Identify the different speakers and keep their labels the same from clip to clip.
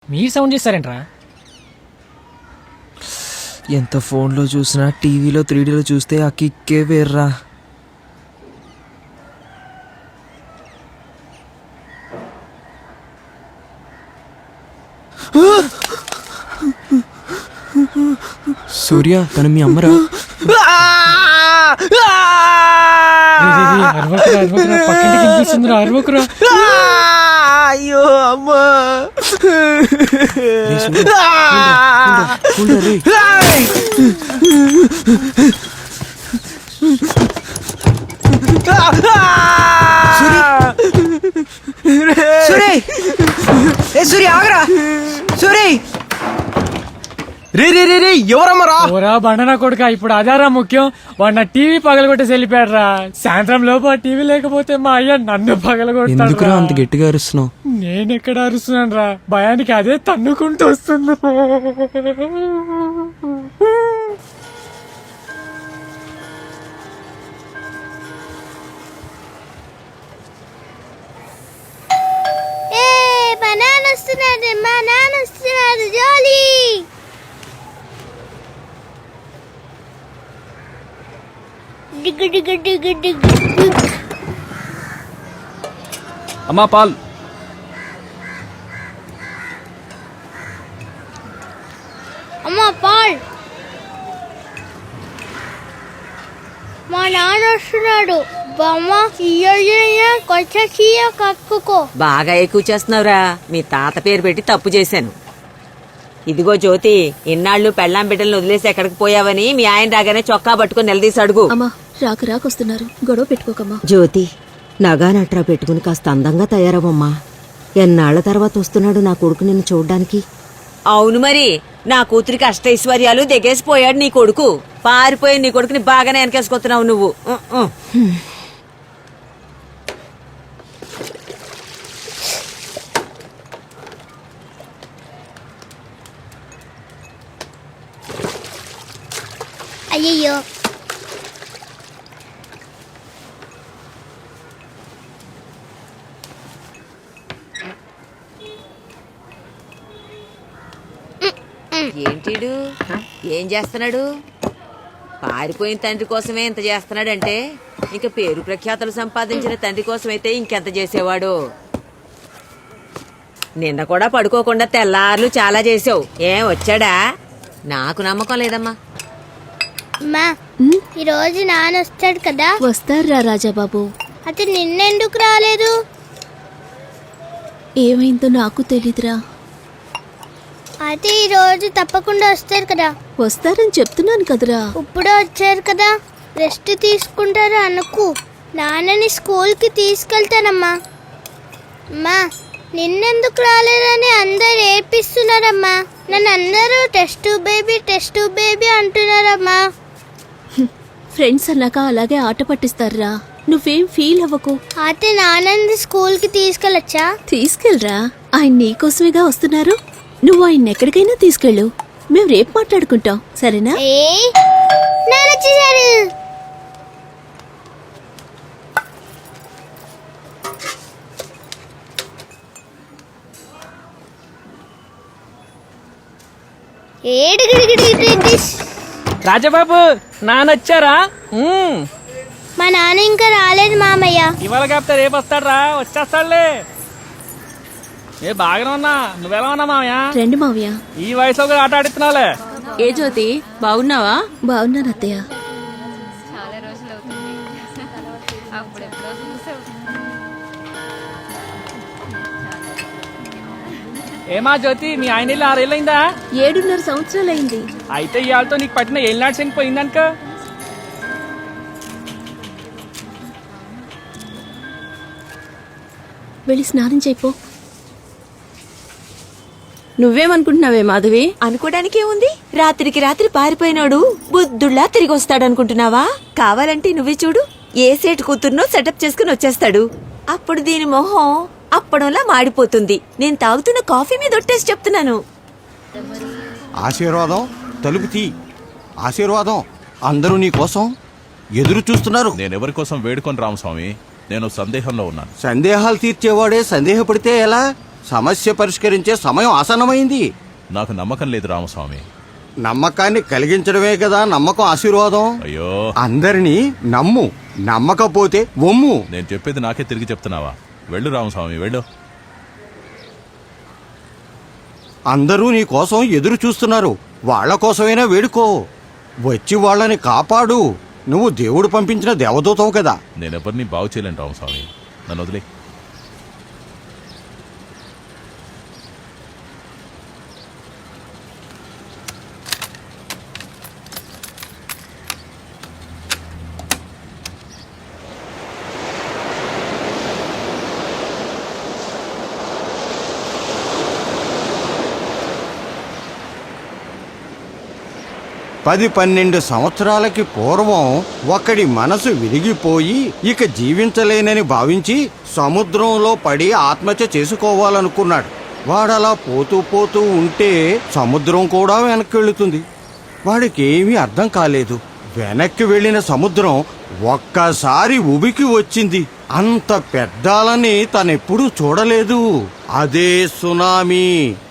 Speaker 1: మీరు సౌండ్ చేస్తారేంట్రా?
Speaker 2: ఎంత ఫోన్లో చూసినా టీవీలో 3Dలో చూస్తే ఆ కిక్కే వేర్రా. సూర్య తను మీ అమ్మరా? అయ్యో అమ్మా. సూర్య ఆగరా. సూర్య రే రే రే రే ఎవరమ్మరా?
Speaker 1: ఓరా బండనా కొడుక, ఇప్పుడు అదారా ముఖ్యం. వాడు టీవీ పగలగొట్టేసి వెళ్ళిపోయాడు రా. సాయంత్రం లోపు టీవీ లేకపోతే మా అయ్య నన్ను పగలగొట్టాడు.
Speaker 2: అంత గట్టిగా అరుస్తున్నావు?
Speaker 1: నేనెక్కడ అరుస్తున్నాను రా, భయానికి అదే తన్నుకుంటూ వస్తుంది.
Speaker 3: మా నాన్న వస్తున్నాడు జోలీ. డిగ్గు డిగ్గు డిగ్గు డిగ్గు.
Speaker 4: అమ్మా పాల్.
Speaker 3: అమ్మా పాల్. మా నాన్న వస్తున్నాడు. బామ్మ కొంచెం కక్కుకో.
Speaker 5: బాగా ఎక్కువ చేస్తున్నావురా. మీ తాత పేరు పెట్టి తప్పు చేశాను. ఇదిగో జ్యోతి, ఇన్నాళ్ళు పెళ్ళాం బిడ్డలను వదిలేసి ఎక్కడికి పోయావని మీ ఆయన రాగానే చొక్కా పట్టుకుని నిలదీసి అడుగు.
Speaker 6: అమ్మా రాకొస్తున్నారు, గొడవ పెట్టుకోకమ్మా.
Speaker 5: జ్యోతి, నగా నట్రా పెట్టుకుని కాస్త అందంగా తయారవమ్మా. ఎన్నాళ్ల తర్వాత వస్తున్నాడు నా కొడుకు నిన్ను చూడ్డానికి. అవును మరి, నా కూతురికి అష్టైశ్వర్యాలు దిగేసిపోయాడు నీ కొడుకు. పారిపోయి నీ కొడుకుని బాగానే వెనకేసుకొస్తున్నావు నువ్వు.
Speaker 3: అయ్యయ్యో,
Speaker 5: ఏంటిడు ఏం చేస్తున్నాడు? పారిపోయిన తండ్రి కోసమే ఇంత చేస్తున్నాడంటే ఇంక పేరు ప్రఖ్యాతలు సంపాదించిన తండ్రి కోసమైతే ఇంకెంత చేసేవాడు. నిన్న కూడా పడుకోకుండా తెల్లార్లు చాలా చేసావు. ఏం వచ్చాడా? నాకు నమ్మకం లేదమ్మా.
Speaker 3: అమ్మా, ఈ రోజు నాన్న వస్తాడు కదా?
Speaker 6: వస్తారా రాజాబాబు.
Speaker 3: అయితే నిన్నెందుకు రాలేదు?
Speaker 6: ఏమైందో నాకు తెలీదురా.
Speaker 3: అయితే ఈ రోజు తప్పకుండా వస్తారు కదా?
Speaker 6: వస్తారని చెప్తున్నాను కదరా.
Speaker 3: ఇప్పుడే వచ్చారు కదా, రెస్ట్ తీసుకుంటారు అనుకు. నాన్నని స్కూల్కి తీసుకెళ్తానమ్మా. అమ్మా, నిన్నెందుకు రాలేదని అందరు ఏడ్పిస్తున్నారమ్మా. నన్ను అందరూ టెస్ట్ బేబీ అంటున్నారమ్మా.
Speaker 6: ఫ్రెండ్స్ అన్నాక అలాగే ఆట పట్టిస్తారా. నువ్వేం ఫీల్ అవ్వకు.
Speaker 3: అయితే నాన్నని స్కూల్కి తీసుకెళ్ళొచ్చా?
Speaker 6: తీసుకెళ్ళరా, ఆయన నీకోసమేగా వస్తున్నారు. నువ్వు ఆయన ఎక్కడికైనా తీసుకెళ్ళు. మేము రేపు మాట్లాడుకుంటాం, సరేనా?
Speaker 3: నాన్న వచ్చేసారు.
Speaker 1: రాజబాబు నానొచ్చారా?
Speaker 3: మా నాన్న ఇంకా రాలేదు మామయ్య.
Speaker 1: ఇవాళ కాపుతా రేపు వస్తాడ్రా, వచ్చేస్తాడులే. ఏ బాగానే ఉన్నా, నువ్వెలా ఉన్నా మామయ్య?
Speaker 6: రండి మావయ్య.
Speaker 1: ఈ వయసులో కూడా ఆట ఆడిస్తున్నావులే.
Speaker 6: ఏ జ్యోతి, బాగున్నావా? బాగున్నాను అత్తయ్య.
Speaker 1: ఏమా జ్యోతి, మీ ఆయన 6 ఏళ్ళైందా?
Speaker 6: 7.5 సంవత్సరాలైంది.
Speaker 1: అయితే ఇవాళతో నీకు పట్టిన ఏళ్ళనాడు శని పోయిందనుక.
Speaker 6: వెళ్ళి స్నానం చేయిపో. నువ్వేమనుకుంటున్నావే మాధవి?
Speaker 5: అనుకోవడానికి ఏముంది? రాత్రికి రాత్రి పారిపోయినాడు బుద్ధుళ్ళా తిరిగి వస్తాడనుకుంటున్నావా? కావాలంటే నువ్వే చూడు, ఏ సేటు కూతుర్నో సెటప్ చేసుకుని వచ్చేస్తాడు. అప్పుడు దీని మొహం అప్పడంలా మాడిపోతుంది. నేను తాగుతున్న కాఫీ మీద ఒట్టేసి చెప్తున్నాను.
Speaker 7: ఆశీర్వాదం తలుపు తీ. ఆశీర్వాదం అందరూ నీ కోసం ఎదురు చూస్తున్నారు.
Speaker 8: నేనెవరి కోసం వేడుకొని రామస్వామి, నేను సందేహంలో ఉన్నాను.
Speaker 7: సందేహాలు తీర్చేవాడే సందేహపడితే ఎలా? సమస్య పరిష్కరించే సమయం ఆసన్నమైంది.
Speaker 4: నాకు నమ్మకం లేదు రామస్వామి.
Speaker 7: నమ్మకాన్ని కలిగించడమే కదా నమ్మకం ఆశీర్వాదం.
Speaker 4: అయ్యో,
Speaker 7: అందరినీ నమ్ము, నమ్మకపోతే ఒమ్ము.
Speaker 4: నేను చెప్పేది నాకే తిరిగి చెప్తున్నావా? వెళ్ళు రామస్వామి, వెళ్ళు.
Speaker 7: అందరూ నీ కోసం ఎదురు చూస్తున్నారు. వాళ్ళ కోసమైనా వేడుకో. వచ్చి వాళ్ళని కాపాడు. నువ్వు దేవుడు పంపించిన దేవదూతవు కదా.
Speaker 4: నేనెవరిని బాగు చేయలేను రామస్వామి, నన్ను వదిలే.
Speaker 7: పది 12 సంవత్సరాలకి పూర్వం ఒకడి మనసు విరిగిపోయి ఇక జీవించలేనని భావించి సముద్రంలో పడి ఆత్మహత్య చేసుకోవాలనుకున్నాడు. వాడలా పోతూ పోతూ ఉంటే సముద్రం కూడా వెనక్కి వెళుతుంది. వాడికి ఏమీ అర్థం కాలేదు. వెనక్కి వెళ్ళిన సముద్రం ఒక్కసారి ఉబికి వచ్చింది. అంత పెద్దాలని తనెప్పుడూ చూడలేదు. అదే సునామీ.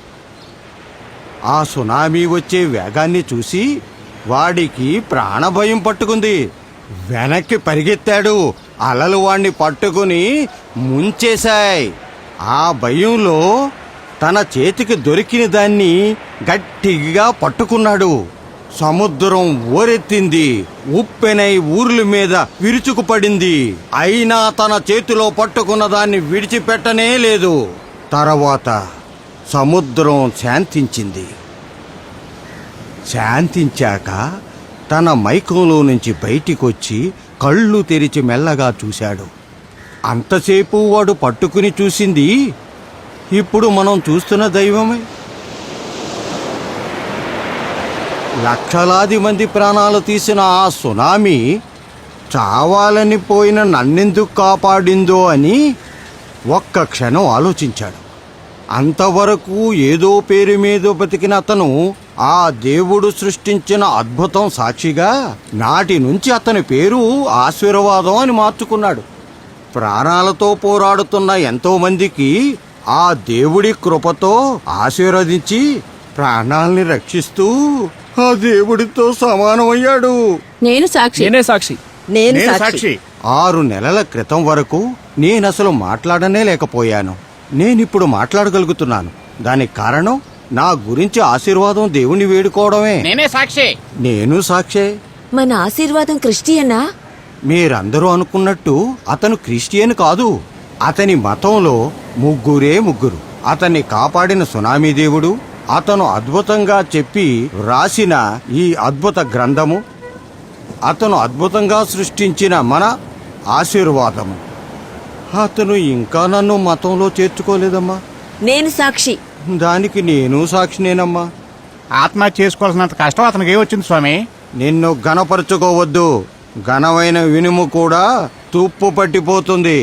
Speaker 7: ఆ సునామీ వచ్చే వేగాన్ని చూసి వాడికి ప్రాణభయం పట్టుకుంది. వెనక్కి పరిగెత్తాడు. అలలు వాణ్ణి పట్టుకుని ముంచేశాయి. ఆ భయంలో తన చేతికి దొరికిన దాన్ని గట్టిగా పట్టుకున్నాడు. సముద్రం ఓరెత్తింది. ఉప్పెనై ఊర్ల మీద విరుచుకుపడింది. అయినా తన చేతిలో పట్టుకున్న దాన్ని విడిచిపెట్టనే లేదు. తర్వాత సముద్రం శాంతించింది. శాంతించాక తన మైకంలో నుంచి బయటికొచ్చి కళ్ళు తెరిచి మెల్లగా చూశాడు. అంతసేపు వాడు పట్టుకుని చూసింది ఇప్పుడు మనం చూస్తున్న దైవమే. లక్షలాది మంది ప్రాణాలు తీసిన ఆ సునామీ చావాలని పోయిన నన్నెందుకు కాపాడిందో అని ఒక్క క్షణం ఆలోచించాడు. అంతవరకు ఏదో పేరు మీద బతికిన అతను ఆ దేవుడు సృష్టించిన అద్భుతం సాక్షిగా నాటి నుంచి అతని పేరు ఆశీర్వాదం అని మార్చుకున్నాడు. ప్రాణాలతో పోరాడుతున్న ఎంతో మందికి ఆ దేవుడి కృపతో ఆశీర్వదించి ప్రాణాల్ని రక్షిస్తూ ఆ దేవుడితో సమానమయ్యాడు.
Speaker 6: నేను సాక్షి.
Speaker 2: నేనే సాక్షి.
Speaker 5: నేను సాక్షి.
Speaker 7: 6 నెలల క్రితం వరకు నేనసలు మాట్లాడనే లేకపోయాను. నేనిప్పుడు మాట్లాడగలుగుతున్నాను. దానికి కారణం నా గురించి ఆశీర్వాదం దేవుణ్ణి వేడుకోవడమే. నేను సాక్షే.
Speaker 5: మన ఆశీర్వాదం క్రిస్టియనా?
Speaker 7: మీరందరూ అనుకున్నట్టు అతను క్రిస్టియన్ కాదు. అతని మతంలో ముగ్గురు. అతన్ని కాపాడిన సునామీ దేవుడు, అతను అద్భుతంగా చెప్పి రాసిన ఈ అద్భుత గ్రంథము, అతను అద్భుతంగా సృష్టించిన మన ఆశీర్వాదము. అతను ఇంకా నన్ను మతంలో చేర్చుకోలేదమ్మా.
Speaker 5: నేను సాక్షి.
Speaker 7: దానికి నేను సాక్షినేనమ్మా.
Speaker 8: ఆత్మహత్య చేసుకోవాల్సినంత కష్టం అతనికి ఏమొచ్చింది స్వామి?
Speaker 7: నిన్ను ఘనపరచుకోవద్దు. ఘనమైన వినుము కూడా తుప్పు పట్టిపోతుంది.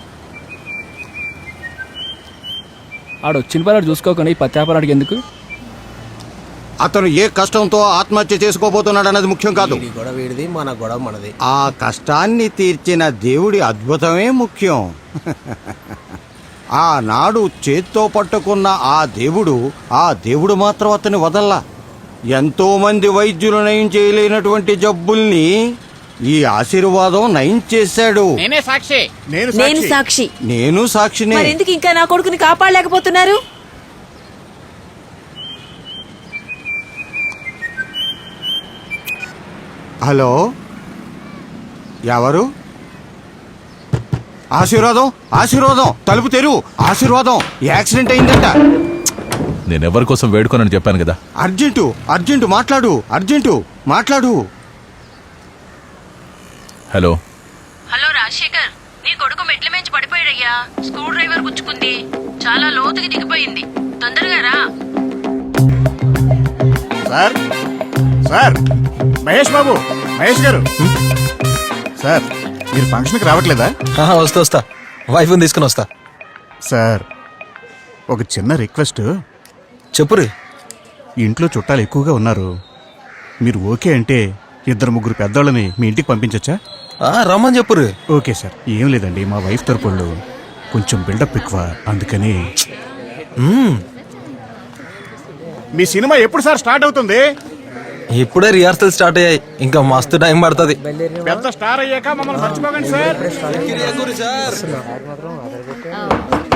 Speaker 2: ఆడొచ్చిన పని చూసుకోకుండా ఈ పత్యాపరాడికి ఎందుకు?
Speaker 7: అతను ఏ కష్టంతో ఆత్మహత్య చేసుకోబోతున్నాడు అన్నది ముఖ్యం కాదు.
Speaker 9: గొడవ వీడిది, మన గొడవ మనది.
Speaker 7: ఆ కష్టాన్ని తీర్చిన దేవుడి అద్భుతమే ముఖ్యం. ఆనాడు చేత్తో పట్టుకున్న ఆ దేవుడు మాత్రం అతని వదల్లా. ఎంతో మంది వైద్యులు నయం చేయలేనటువంటి జబ్బుల్ని ఈ ఆశీర్వాదం నయం చేశాడు.
Speaker 5: నేను సాక్షి.
Speaker 7: నేను సాక్షినే.
Speaker 5: మరెందుకు ఇంకా నా కొడుకుని కాపాడలేకపోతున్నారు?
Speaker 7: హలో, ఎవరు? ఆశీర్వాదం తలుపు తెరువు. ఆశీర్వాదం యాక్సిడెంట్ అయిందంట.
Speaker 4: నేనెవరి కోసం వేడుకోనని చెప్పాను కదా.
Speaker 7: అర్జెంటు మాట్లాడు.
Speaker 4: హలో.
Speaker 6: హలో రాజశేఖర్, నీ కొడుకు మెట్ల మించి పడిపోయాడయ్యా. Screw driver గుచ్చుకుంది. చాలా లోతుకి దిగిపోయింది. తొందరగా రా.
Speaker 8: సార్ మహేష్ బాబు, మహేష్ గారు, సార్ మీరు ఫంక్షన్కి రావట్లేదా?
Speaker 9: వస్తా, వైఫ్ని తీసుకుని వస్తా.
Speaker 8: సార్ ఒక చిన్న రిక్వెస్ట్.
Speaker 9: చెప్పురు.
Speaker 8: ఇంట్లో చుట్టాలు ఎక్కువగా ఉన్నారు. మీరు ఓకే అంటే 2-3 పెద్దోళ్ళని మీ ఇంటికి పంపించచ్చా?
Speaker 9: రమ్మని చెప్పురు.
Speaker 8: Okay sir. ఏం లేదండి, మా వైఫ్ తరపుళ్ళు కొంచెం బిల్డప్ ఎక్కువ, అందుకని. మీ సినిమా ఎప్పుడు సార్ స్టార్ట్ అవుతుంది?
Speaker 9: ఇప్పుడే రిహార్సల్ స్టార్ట్ అయ్యాయి, ఇంకా మస్తు టైం పడుతుంది.
Speaker 8: పెద్ద స్టార్ అయ్యాక మమ్మల్ని మర్చిపోకండి సార్.